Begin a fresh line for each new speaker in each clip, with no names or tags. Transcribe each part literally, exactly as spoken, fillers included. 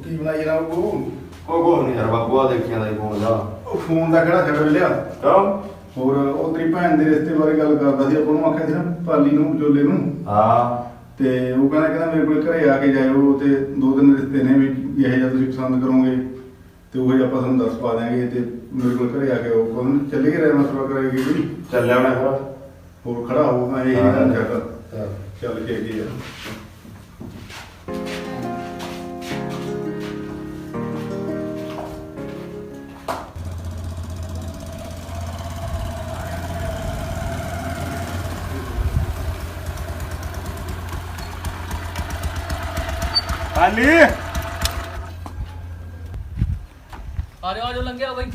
ਕੀ ਬਣਾਈ ਜਨਾਬ ਉਹ
ਉਹ ਕੁਛ ਨਹੀਂ ਯਾਰ ਬਾਪੂ ਆ ਦੇਖਿਆ ਦਾ ਫੋਨ ਦਾ
ਉਹ ਫੋਨ ਦਾ ਕਿਹੜਾ ਛੱਡ ਲਿਆ
ਕਿਉਂ
ਹੋਰ ਉਹ ਤੇਰੀ ਭੈਣ ਦੇ ਰਿਸ਼ਤੇ ਬਾਰੇ ਗੱਲ ਕਰਦਾ ਸੀ ਆਪਾਂ ਨੂੰ ਆਖਿਆ ਸੀ ਨਾ ਪਾਲੀ ਨੂੰ ਵਿਚੋਲੇ ਨੂੰ
ਹਾਂ
ਤੇ ਉਹ ਕਹਿੰਦਾ ਕਹਿੰਦਾ ਮੇਰੇ ਕੋਲ ਘਰੇ ਆ ਕੇ ਜਾਇਓ ਤੇ ਦੋ ਤਿੰਨ ਰਿਸ਼ਤੇ ਨੇ ਵੀ ਇਹੋ ਜਿਹਾ ਤੁਸੀਂ ਪਸੰਦ ਕਰੋਗੇ ਤੇ ਉਹ ਆਪਾਂ ਤੁਹਾਨੂੰ ਦੱਸ ਪਾ ਦਿਆਂਗੇ ਤੇ ਮੇਰੇ ਕੋਲ ਘਰੇ ਆ ਕੇ ਉਹ ਕਹਿੰਦਾ ਚੱਲੇ ਗਏ ਰਹਿ ਮਸਲਾ ਕਰਾਂਗੇ ਵੀ
ਚੱਲਿਆ ਹੋਣਾ ਫਿਰ
ਹੋਰ ਖੜਾ ਹੋਊਗਾ ਇਹ ਨਹੀਂ ਗੱਲ ਛੱਡ ਚੱਲ ਕੇ ਕੀ ਆ
ਪਾਲੀ
आ जाओ आ जाओ लग गया भाई।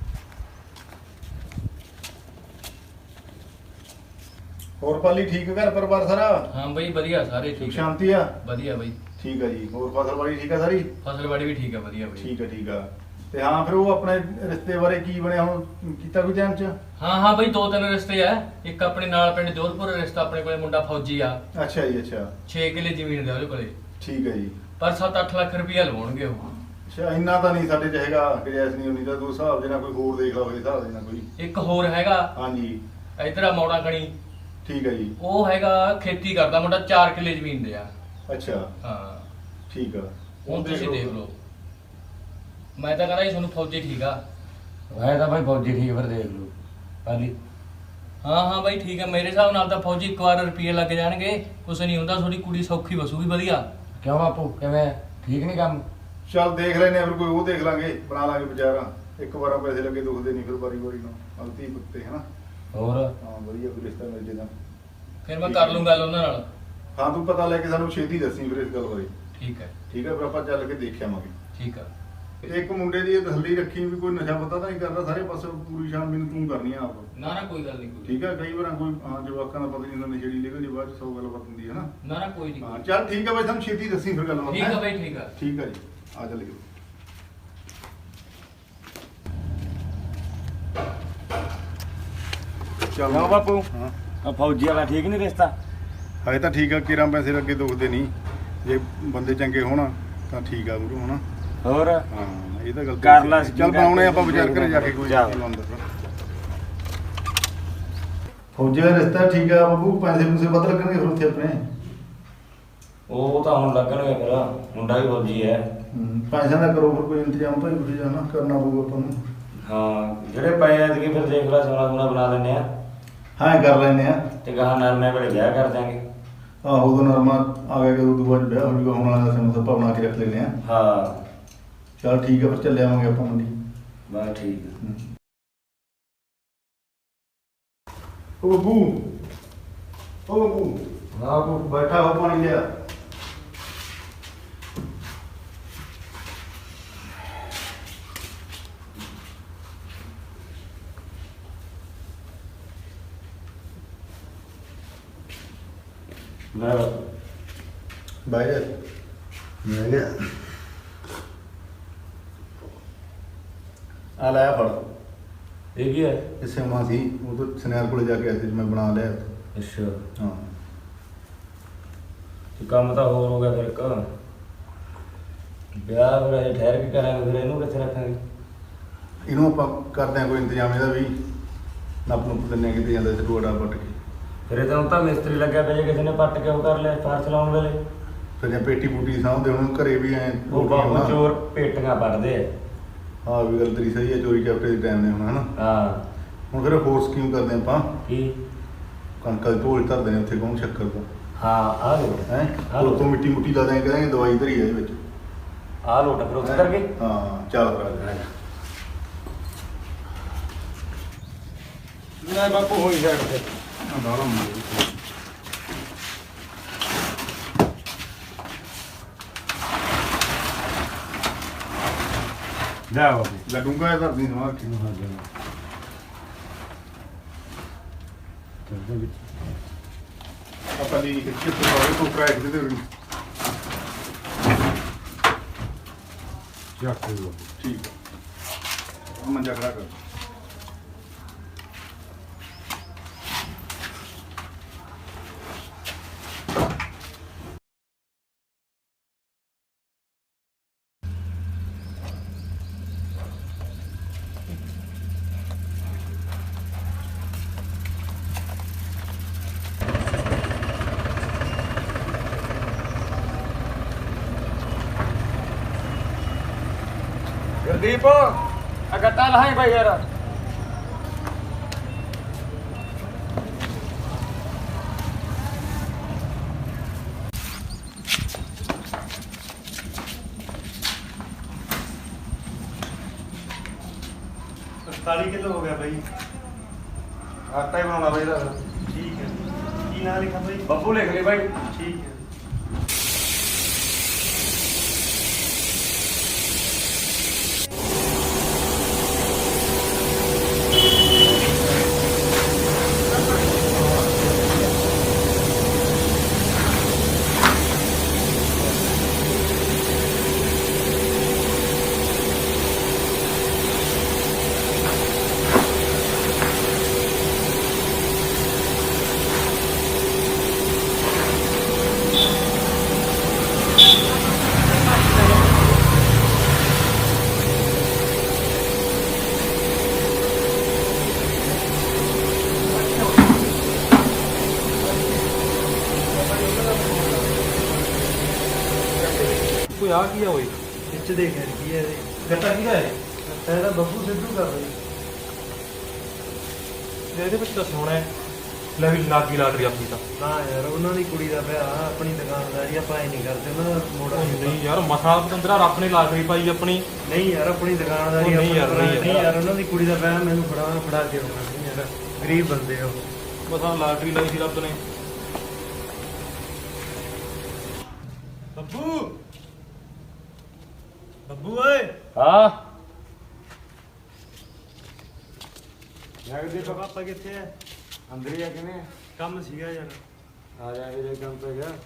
ਹੋਰ ਪਾਲੀ ਠੀਕ ਘਰ ਪਰਿਵਾਰ ਸਾਰਾ
हाँ भाई बढ़िया सारे
ਸੁਖ
ठीक है
ਸ਼ਾਂਤੀ ਆ
बढ़िया भाई।
ਠੀਕ ਆ ਜੀ ਹੋਰ ਫਸਲ ਬਾੜੀ ਠੀਕ ਆ ਸਾਰੀ
फसल बाड़ी भी ठीक है बढ़िया भाई।
ਠੀਕ ਆ ਠੀਕ ਆ ਤੇ ਹਾਂ ਫਿਰ ਉਹ ਆਪਣੇ ਰਿਸ਼ਤੇ ਬਾਰੇ ਕੀ ਬਣਿਆ ਹੁਣ ਕੀਤਾ ਕੋਈ ਟਾਈਮ ਚ
हाँ हाँ भाई दो तीन रिश्ते है एक अपने नाल पिंड जोधपुर रिश्ता अपने कोले मुंडा फौजी आ
ਅੱਛਾ ਜੀ ਅੱਛਾ
छे किले जमीन दे ओदे कोले
ਠੀਕ ਹੈ ਜੀ
पर सत्त अठ लाख रुपया लवाउणगे ਉਹ।
ਅੱਛਾ ਇੰਨਾ ਤਾਂ ਨਹੀਂ ਸਾਡੇ ਚ ਹੈਗਾ ਗੁੰਜਾਇਸ਼ ਨਹੀਂ ਉਨੀ ਤਾਂ ਦੋ ਹਿਸਾਬ ਦੇ ਨਾਲ ਕੋਈ ਹੋਰ ਦੇਖ ਲਓ ਹਿਸਾਬ ਦੇ ਨਾਲ ਕੋਈ
ਇੱਕ ਹੋਰ ਹੈਗਾ
ਹਾਂਜੀ
ਇਧਰ ਆ ਮੌੜਾ ਕਣੀ
ਠੀਕ ਹੈ ਜੀ
ਉਹ ਹੈਗਾ ਖੇਤੀ ਕਰਦਾ ਮੁੰਡਾ ਚਾਰ ਕਿਲੇ ਜ਼ਮੀਨ ਦੇ ਆ।
ਅੱਛਾ
ਹਾਂ
ਠੀਕ ਆ
ਹੁਣ ਤੁਸੀਂ ਦੇਖ ਲਓ ਮੈਂ ਤਾਂ ਕਹਿੰਦਾ ਜੀ ਤੁਹਾਨੂੰ ਫੌਜੀ ਠੀਕ ਆ।
ਵੈਸੇ ਤਾਂ ਭਾਈ ਫੌਜੀ ਠੀਕ ਫਿਰ ਦੇਖ ਲਓ ਪਾਲੀ
ਹਾਂ ਹਾਂ ਬਾਈ ਠੀਕ ਆ ਮੇਰੇ ਹਿਸਾਬ ਨਾਲ ਤਾਂ ਫੌਜੀ ਇੱਕ ਵਾਰ ਰੁਪਏ ਲੱਗ ਜਾਣਗੇ ਕੁਛ ਨਹੀਂ ਹੁੰਦਾ ਤੁਹਾਡੀ ਕੁੜੀ ਸੌਖੀ ਵਸੂਗੀ ਵਧੀਆ।
ਕਿਉਂ ਬਾਪੂ ਕਿਵੇਂ ਠੀਕ ਨਹੀਂ ਕੰਮ
ਚੱਲ ਦੇਖ ਲੈਨੇ ਆ ਫਿਰ ਕੋਈ ਉਹ ਦੇਖ ਲਾਂਗੇ ਬਣਾ ਲਾਂਗੇ ਵਿਚਾਰਾ ਇੱਕ ਵਾਰਾਂ ਪੈਸੇ ਲੱਗੇ ਦੁਖਦੇ ਨਹੀਂ ਫਿਰ ਵਾਰੀ ਵਾਰੀ ਨੂੰ ਅਲਤੀ ਪੁੱਤੇ ਹਨਾ
ਹੋਰ
ਹਾਂ ਵਧੀਆ ਕੋਈ ਰਿਸ਼ਤਾ ਮਿਲ ਜੇ ਤਾਂ
ਫਿਰ ਮੈਂ ਕਰ ਲੂੰ ਗੱਲ ਉਹਨਾਂ ਨਾਲ।
ਹਾਂ ਤੂੰ ਪਤਾ ਲੈ ਕੇ ਸਾਨੂੰ ਛੇਤੀ ਦੱਸੀ ਫਿਰ ਇਸ ਗੱਲ ਬਾਰੇ
ਠੀਕ ਹੈ
ਠੀਕ ਹੈ ਫਿਰ ਆਪਾਂ ਚੱਲ ਕੇ ਦੇਖ ਆਵਾਂਗੇ
ਠੀਕ ਆ।
ਇੱਕ ਮੁੰਡੇ ਦੀ ਇਹ ਤਸੱਲੀ ਰੱਖੀ ਵੀ ਕੋਈ ਨਸ਼ਾ ਪਤਾ ਤਾਂ ਨਹੀਂ ਕਰਦਾ ਸਾਰੇ ਪਾਸੇ ਪੂਰੀ ਸ਼ਾਨ ਮੈਨੂੰ ਤੂੰ ਕਰਨੀ ਆ ਆਪ
ਨਾ ਨਾ ਕੋਈ ਗੱਲ ਨਹੀਂ ਕੋਈ
ਠੀਕ ਹੈ ਕਈ ਵਾਰ ਕੋਈ ਹਾਂ ਜਵਾਕਾਂ ਦਾ ਪਤਾ ਨਹੀਂ ਹੁੰਦਾ ਨਸ਼ੇੜੀ ਨਿਕਲ ਜੇ ਬਾਅਦ ਚ ਸੌ ਗੱਲਬਾਤ ਹੁੰਦੀ ਹੈ ਨਾ
ਨਾ ਨਾ ਕੋਈ ਨਹੀਂ
ਹਾਂ ਚੱਲ ਠੀਕ ਹੈ ਬਾਈ ਸਾਨੂੰ ਛੇਤੀ ਦੱਸੀ ਫਿਰ ਗੱਲਬਾਤ
ਠੀਕ ਆ ਬਾਈ ਠੀਕ ਆ।
ਠੀਕ ਹੈ ਜੀ ਆ ਚੱਲੀਏ ਚੱਲ
ਕਿਉਂ ਬਾਪੂ
ਹਾਂ
ਆ ਫੌਜੀ ਵਾਲਾ ਠੀਕ ਨਹੀਂ ਰਿਸ਼ਤਾ
ਹਾਏ ਤਾਂ ਠੀਕ ਆ ਕਿਰਾਂ ਪੈਸੇ ਲੱਗੇ ਦੁਖਦੇ ਨਹੀਂ ਜੇ ਬੰਦੇ ਚੰਗੇ ਹੋਣ ਤਾਂ ਠੀਕ ਆ ਗੁਰੂ ਹਨਾ
ਹੋਰ
ਹਾਂ ਇਹ ਤਾਂ ਗੱਲ
ਕਰ ਲਾ
ਚੱਲ ਬਣਾਉਣੇ ਆਪਾਂ ਵਿਚਾਰ ਕਰੇ ਜਾ ਕੇ ਕੋਈ
ਜਾ।
ਫੌਜੀ ਦਾ ਰਿਸ਼ਤਾ ਠੀਕ ਆ ਬਾਬੂ ਪੈਸੇ ਪੂਸੇ ਵੱਧ ਲੱਗਣਗੇ ਫਿਰ ਉੱਥੇ ਆਪਣੇ
ਉਹ ਤਾਂ ਹੁਣ ਲੱਗਣਗੇ ਫਿਰ ਮੁੰਡਾ ਵੀ ਫੌਜੀ ਹੈ।
ਹੂੰ, ਪੈਸਿਆਂ ਦਾ ਕਰੋ ਫਿਰ ਕੋਈ ਇੰਤਜ਼ਾਮ ਭਾਈ ਕੁਝ ਜਾਣਾ ਕਰਨਾ ਪਊਗਾ ਆਪਾਂ ਨੂੰ
ਹਾਂ ਜਿਹੜੇ ਪਏ ਐਤਕੀ ਫਿਰ ਦੇਖ ਲੈ ਸੋਨਾ ਸੋਨਾ ਬਣਾ ਲੈਂਦੇ ਆ
ਹਾਂ ਕਰ ਲੈਨੇ ਆ
ਤੇ ਗਾਹਾਂ ਨਰਮੇ ਵੇਲੇ ਵਿਆਹ ਕਰ ਦਿਆਂਗੇ।
ਆਹੋ ਉਦੋਂ ਨਰਮਾ ਆ ਗਿਆ ਕਿ ਉਦੋਂ ਬਾਅਦ ਵਿਆਹ ਹੋ ਜੂਗਾ ਹੁਣ ਵਾਲਾ ਸਮੇਂ ਸਭ ਬਣਾ ਕੇ ਰੱਖ ਲੈਨੇ ਆ
ਹਾਂ
ਚਲ ਠੀਕ ਆ ਫਿਰ ਚੱਲੇ ਆਵਾਂਗੇ ਆਪਾਂ ਮੰਡੀ
ਬਸ ਠੀਕ ਆ।
ਓ ਬੱਬੂ ਓ ਬੱਬੂ
ਹਾਂ ਬਾਪੂ
ਬੈਠਾ ਹੋ ਪਾਣੀ ਲਿਆ
ਲੈ
ਬਾਈ ਜਾ ਮੈਂ ਗਿਆ ਆ ਲੈ ਫੜ
ਇਹ ਕੀ ਹੈ
ਇਹ ਸਿਉਣਾ ਸੀ ਉਹ ਤੋਂ ਸਨੈਰ ਕੋਲੇ ਜਾ ਕੇ ਆਇਆ ਸੀ ਮੈਂ ਬਣਾ ਲਿਆ
ਅੱਛਾ
ਹਾਂ
ਤੇ ਕੰਮ ਤਾਂ ਹੋਰ ਹੋ ਗਿਆ ਫਿਰ ਇੱਕ ਵਿਆਹ ਫਿਰ ਅਜੇ ਠਹਿਰ ਕੇ ਕਰਾਂਗੇ ਫਿਰ ਇਹਨੂੰ ਕਿੱਥੇ ਰੱਖਾਂਗੇ।
ਇਹਨੂੰ ਆਪਾਂ ਕਰਦੇ ਆ ਕੋਈ ਇੰਤਜ਼ਾਮ ਇਹਦਾ ਵੀ ਨੱਪ ਨੁੱਪ ਦਿੰਨੇ ਕਿਤੇ ਜਾਂਦਾ ਸੀ ਰੋੜਾ ਪੱਟ ਕੇ
ਫਿਰ ਇਹ ਤਾਂ ਹੁਣ ਤਾਂ ਮਿਸਤਰੀ ਲੱਗਿਆ ਪਿਆ ਜੇ ਕਿਸੇ ਨੇ ਪੱਟ ਕੇ ਉਹ ਕਰ ਲਿਆ ਫਾਰ ਚਲਾਉਣ ਵੇਲੇ
ਫਿਰ ਜੇ ਪੇਟੀ ਪੂਟੀ ਸਾਂਭਦੇ ਹੁਣ ਘਰੇ ਵੀ ਐ
ਉਹ ਬਾਬੂ ਚੋਰ ਪੇਟੀਆਂ ਪੱਟਦੇ ਆ।
ਹਾਂ ਵੀ ਗੱਲ ਤੇਰੀ ਸਹੀ ਹੈ ਚੋਰੀ ਚਾਪਟੇ ਦੇ ਟਾਈਮ ਨੇ ਹੁਣ ਹਨਾ
ਹਾਂ
ਹੁਣ ਫਿਰ ਹੋਰ ਸਕੀਮ ਕਰਦੇ ਆਪਾਂ
ਕੀ
ਕਣਕਾਂ ਦੇ ਢੋਲ ਧਰਦੇ ਨੇ ਉੱਥੇ ਕੌਣ ਸ਼ੱਕਰ ਤੋਂ
ਹਾਂ ਆ ਲੋ
ਹੈ
ਹਾਂ।
ਉਤੋਂ ਮਿੱਟੀ ਮੁੱਟੀ ਲਾ ਦਿਆਂ ਕਰਾਂਗੇ ਦਵਾਈ ਧਰੀ ਆ ਇਹਦੇ ਵਿੱਚ
ਆ ਲੋਟ ਫਿਰ ਉੱਥੇ ਕਰਕੇ
ਹਾਂ ਚੱਲ ਫਿਰ ਆ ਜਾ
ਨਾ ਬਾਪੂ ਹੋਈ ਸਾਈਡ ਤੇ
ਬਾਹਲਾ
ਜਾ ਬਾਪੂ
ਲੱਗੂਗਾ ਇਹ ਧਰਦੀ ਸਮਾਰ ਕੇ
ਹਾਂ ਜਾ ਚੱਲ ਵਿੱਚ
ਆਪਾਂ ਦੀ ਕਿੱਥੇ ਤੋਂ ਤੋਂ ਟਰੈਕ ਦੇ ਦੇ
ਚੱਕ ਲੋ
ਠੀਕ ਹੈ ਮੰਜਾ ਖੜਾ ਕਰ
ਗੁਰਦੀਪ ਆ ਗੱਟਾ ਲਹਾਈ ਬਾਈ ਯਾਰ
ਅੜਤਾਲੀ ਕਿਲੋ ਹੋ ਗਿਆ ਬਾਈ।
ਆਟਾ ਹੀ ਬਣਾਉਣਾ ਬਾਈ ਦਾ
ਠੀਕ ਹੈ। ਕੀ ਨਾਂ ਲਿਖਾਂ ਬਾਈ?
ਬੱਬੂ ਲਿਖ ਲਈ ਬਾਈ।
ਠੀਕ ਹੈ।
ਕੋਈ ਆ ਕੀ ਆ ਓਏ?
ਵਿੱਚ ਦੇਖ ਯਾਰ ਕੀ ਹੈ ਇਹਦੇ।
ਗੱਟਾ ਕਿਹਦਾ ਹੈ?
ਇਹਦਾ ਬੱਬੂ ਸਿੱਧੂ ਕਰ ਬਾਈ।
ਇਹਦੇ ਵਿੱਚ ਤਾਂ ਸੋਹਣਾ ਹੈ। ਲੈ ਵੀ ਲਾਗੀ ਲਾਟਰੀ ਆਪਣੀ ਤਾਂ।
ਨਾ ਯਾਰ ਉਹਨਾਂ ਦੀ ਕੁੜੀ ਦਾ ਵਿਆਹ, ਆਪਣੀ ਦੁਕਾਨਦਾਰੀ ਆਪਾਂ ਇਹ ਨਹੀਂ ਕਰਦੇ, ਉਹਨਾਂ ਦਾ ਮੋੜਾ
ਨਹੀਂ ਯਾਰ ਮਸਾਂ ਪਤੰਦਰਾ ਰੱਬ ਨੇ ਲਾਟਰੀ ਪਾਈ ਆਪਣੀ।
ਨਹੀਂ ਯਾਰ ਆਪਣੀ ਦੁਕਾਨਦਾਰੀ
ਉਹ ਨਹੀਂ ਯਾਰ,
ਆਪਣੀ
ਨਹੀਂ
ਨਹੀਂ
ਯਾਰ।
ਯਾਰ ਉਹਨਾਂ ਦੀ ਕੁੜੀ ਦਾ ਵਿਆਹ ਮੈਨੂੰ ਫੜਾ ਫੜਾ ਕੇ ਆਉਣਾ ਨਹੀਂ ਯਾਰ, ਗਰੀਬ ਬੰਦੇ ਹੋ।
ਮਸਾਂ ਲਾਟਰੀ ਲਾਈ ਸੀ ਰੱਬ ਨੇ। ਬੱਬੂ ਬੱਬੂ ਓਏ
ਹਾਂ
ਜਗਦੇ ਪਾਪਾ ਕਿੱਥੇ ਹੈ?
ਅੰਦਰ ਹੀ ਆ ਕਿਵੇਂ
ਕੰਮ ਸੀਗਾ ਯਾਰ।
ਆ ਜਾਏਗਾ ਜੇ ਕੰਮ ਤੇ ਗਿਆ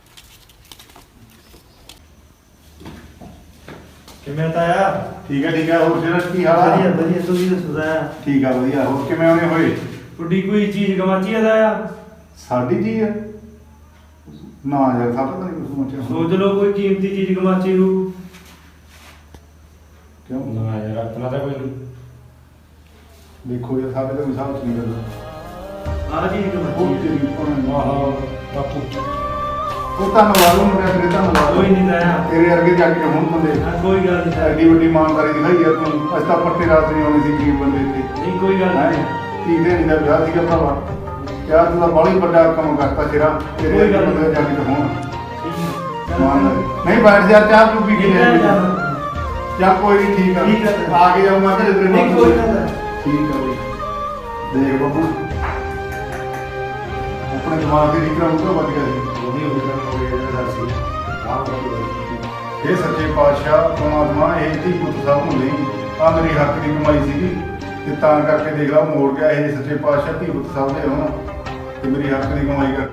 ਕਿਵੇਂ ਤਾਇਆ?
ਠੀਕ ਹੈ ਠੀਕ ਹੈ। ਹੋਰ ਸਿਰਫ ਕੀ ਹਾਲ
ਵਧੀਆ
ਆ?
ਵਧੀਆ, ਤੁਸੀਂ ਦੱਸੋ ਤਾਇਆ?
ਠੀਕ ਆ ਵਧੀਆ। ਹੋਰ ਕਿਵੇਂ ਆਉਣੇ ਹੋਏ?
ਤੁਹਾਡੀ ਕੋਈ ਚੀਜ਼ ਗਵਾਚੀ ਹੈ ਤਾਇਆ?
ਸਾਡੀ ਜੀ ਹੈ ਨਾ ਯਾਰ, ਸਾਡਾ ਤਾਂ ਨਹੀਂ ਕੁਝ ਮਚਿਆ।
ਸੋਚ ਲਓ ਕੋਈ ਕੀਮਤੀ ਚੀਜ਼ ਗਵਾਚੀ ਹੋ।
ਕਿਉਂ?
ਨਾ ਯਾਰ ਆਪਣਾ ਤਾਂ ਕੋਈ
ਦੇਖੋ ਯਾਰ, ਸਾਡੇ ਤਾਂ ਮਿਸਾਲ ਚ ਨਹੀਂ ਕਰਦਾ।
ਆਹ ਚੀਜ਼
ਉਹ
ਗਵਾਚੀ ਹੈ।
ਤੇਰੀ ਭੈਣ ਦਾ।
ਆਹੋ ਬਾਪੂ
ਉਹ ਧੰਨਵਾਦ ਉਹ ਮੁੰਡਿਆ, ਤੇਰੇ ਧੰਨਵਾਦ।
ਕੋਈ ਨਹੀਂ ਤਾਇਆ।
ਤੇਰੇ ਵਰਗੇ ਜਾ ਕੇ ਹੁਣ ਬੰਦੇ
ਹਾਂ, ਕੋਈ ਗੱਲ ਨਹੀਂ ਤਾਇਆ।
ਐਡੀ ਵੱਡੀ ਇਮਾਨਦਾਰੀ ਦਿਖਾਈ ਯਾਰ ਤੂੰ। ਅੱਜ ਤਾਂ ਪੱਤੇ ਰਾਤ ਨਹੀਂ ਆਉਣੀ ਸੀ ਗਰੀਬ ਬੰਦੇ ਤੇ।
ਨਹੀਂ ਕੋਈ ਗੱਲ
ਹੈਂ?
ਨਹੀਂ।
ਧੀ ਦੇਣੀ ਦਾ ਵਿਆਹ ਸੀਗਾ ਭਰਾਵਾ। ਯਾਰ ਤੂੰ ਤਾਂ ਬਾਹਲੀ ਵੱਡਾ ਕੰਮ ਕਰਤਾ ਤੇਰਾ। ਤੇਰੇ
ਕੋਈ ਗੱਲ
ਵਰਗੇ ਬੰਦੇ ਜਾ ਕੇ ਤਾਂ ਹੁਣ
ਠੀਕ
ਇਮਾਨਦਾਰੀ। ਨਹੀਂ ਬੈਠ ਜਾ, ਚਾਹ ਤੂੰ ਪੀ ਕੇ ਲੈ ਜਾ। ਚੱਲ ਕੋਈ ਨਹੀਂ, ਠੀਕ ਆ।
ਠੀਕ ਆ।
ਆ ਕੇ ਜਾਊਂਗਾ ਘਰੇ ਤੇਰੇ
ਨਹੀਂ
ਨਾਲ।
ਕੋਈ ਗੱਲ ਨਹੀਂ।
ਠੀਕ ਆ ਬਈ। ਦੇਖ ਬੱਬੂ, ਆਪਣੇ ਦਿਮਾਗ ਦੀ ਰਿਕਰਾ ਉਤੋਂ ਵੱਜ ਗਿਆ ਸੀ।
ਉਹਦੀ ਹੋ ਗਿਆ ਹੋ ਗਿਆ ਜਿਹੜਾ ਸੀ ਆਹ ਬਾਈ
ਇਹ ਸੱਚੇ ਪਾਤਸ਼ਾਹ ਪਰਮਾਤਮਾ ਇਹ ਧੀ ਪੁੱਤ ਸਭ ਨੂੰ ਨਹੀਂ, ਆ ਮੇਰੀ ਹੱਕ ਦੀ ਕਮਾਈ ਸੀਗੀ ਤੇ ਤਾਂ ਕਰਕੇ ਦੇਖ ਲਾ ਮੋੜ ਗਿਆ। ਇਹ ਸੱਚੇ ਪਾਤਸ਼ਾਹ ਧੀ ਪੁੱਤ ਸਭ ਦੇ ਹੋਣ ਤੇ ਮੇਰੀ ਹੱਕ ਦੀ ਕਮਾਈ ਕਰ